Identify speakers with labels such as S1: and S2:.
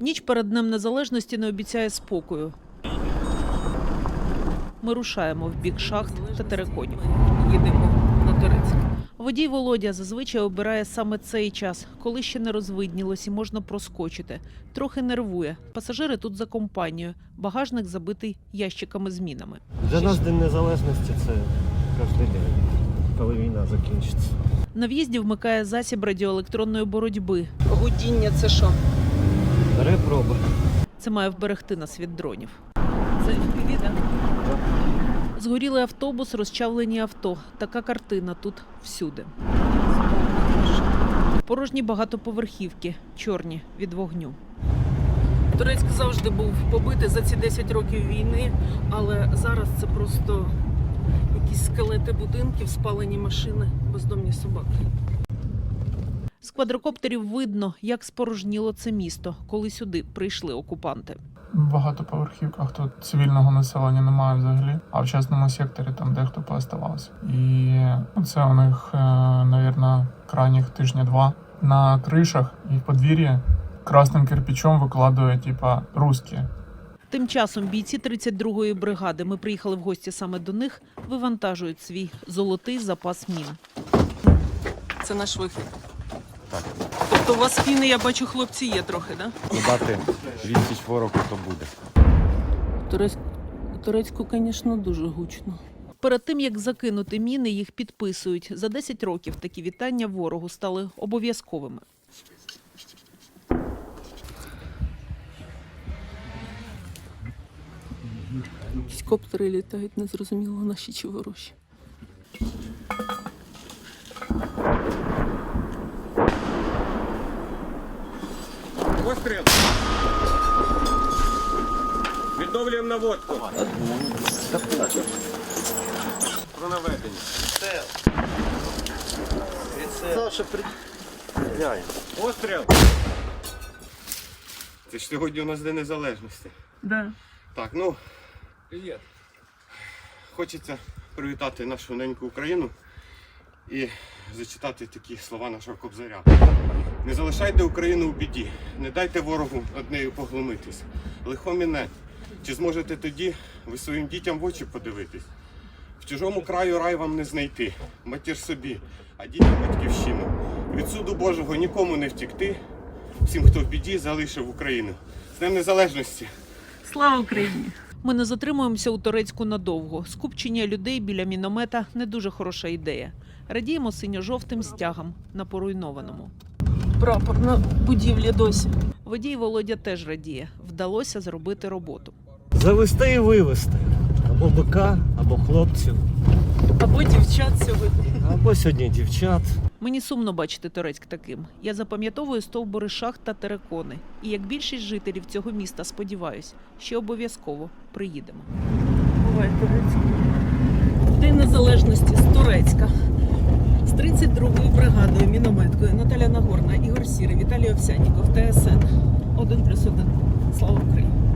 S1: Ніч перед Днем Незалежності не обіцяє спокою. Ми рушаємо в бік шахт та териконів. Їдемо на Торецьк. Водій Володя зазвичай обирає саме цей час, коли ще не розвиднілось і можна проскочити. Трохи нервує. Пасажири тут за компанією. Багажник забитий ящиками з мінами.
S2: Для нас День Незалежності – це кожен день, коли війна закінчиться.
S1: На в'їзді вмикає засіб радіоелектронної боротьби.
S3: Гудіння – це що?
S2: Бере проби.
S1: Це має вберегти нас від дронів.
S3: Це FPV, так?
S1: Згорілий автобус, розчавлені авто. Така картина тут всюди. Порожні багатоповерхівки, чорні від вогню.
S3: Торецьк завжди був побитий за ці 10 років війни, але зараз це просто якісь скелети будинків, спалені машини, бездомні собаки.
S1: З квадрокоптерів видно, як спорожніло це місто, коли сюди прийшли окупанти.
S4: В багатоповерхівках тут цивільного населення немає взагалі, а в частному секторі там дехто пооставався. І це у них, мабуть, крайніх тижня-два. На кришах і в подвір'ї красним кирпичом викладують, типа, русські.
S1: Тим часом бійці 32-ї бригади, ми приїхали в гості саме до них, вивантажують свій золотий запас мін.
S3: Це наш вихід. Так. Тобто у вас фіни, я бачу, хлопці є трохи, так?
S5: Додати відсіч ворогу, то буде.
S3: Турецьку, звісно, дуже гучно.
S1: Перед тим, як закинути міни, їх підписують. За 10 років такі вітання ворогу стали обов'язковими.
S3: Якісь коптери літають, незрозуміло, наші чи ворожі.
S6: Постріл! Відновлюємо наводку. Про наведення.
S2: Саша,
S6: Постріл! Це ж сьогодні у нас День Незалежності.
S3: Да.
S6: Так, ну, привіт. Хочеться привітати нашу неньку Україну і зачитати такі слова нашого Кобзаря. Не залишайте Україну у біді, не дайте ворогу над нею поглумитись. Лихо міне, чи зможете тоді ви своїм дітям в очі подивитись? В чужому краю рай вам не знайти, матір собі, а дітям батьківщину. Від суду Божого нікому не втікти, всім, хто в біді, залишив Україну. З Днем Незалежності!
S3: Слава Україні!
S1: Ми не затримуємося у Торецьку надовго. Скупчення людей біля міномета – не дуже хороша ідея. Радіємо синьо-жовтим стягам на поруйнованому.
S3: Прапор на будівлі досі.
S1: Водій Володя теж радіє. Вдалося зробити роботу.
S2: завести і вивезти. Або бика, або хлопців,
S3: Або дівчат сьогодні.
S2: або сьогодні дівчат.
S1: Мені сумно бачити Торецьк таким. Я запам'ятовую стовбури шахт та терикони. І як більшість жителів цього міста, сподіваюсь, ще обов'язково приїдемо.
S3: Буває Торецьк. День Незалежності з Торецька. З 32-ї бригадою, мінометкою Наталя Нагорна, Ігор Сірий, Віталій Овсянніков, ТСН 1+1. Слава Україні!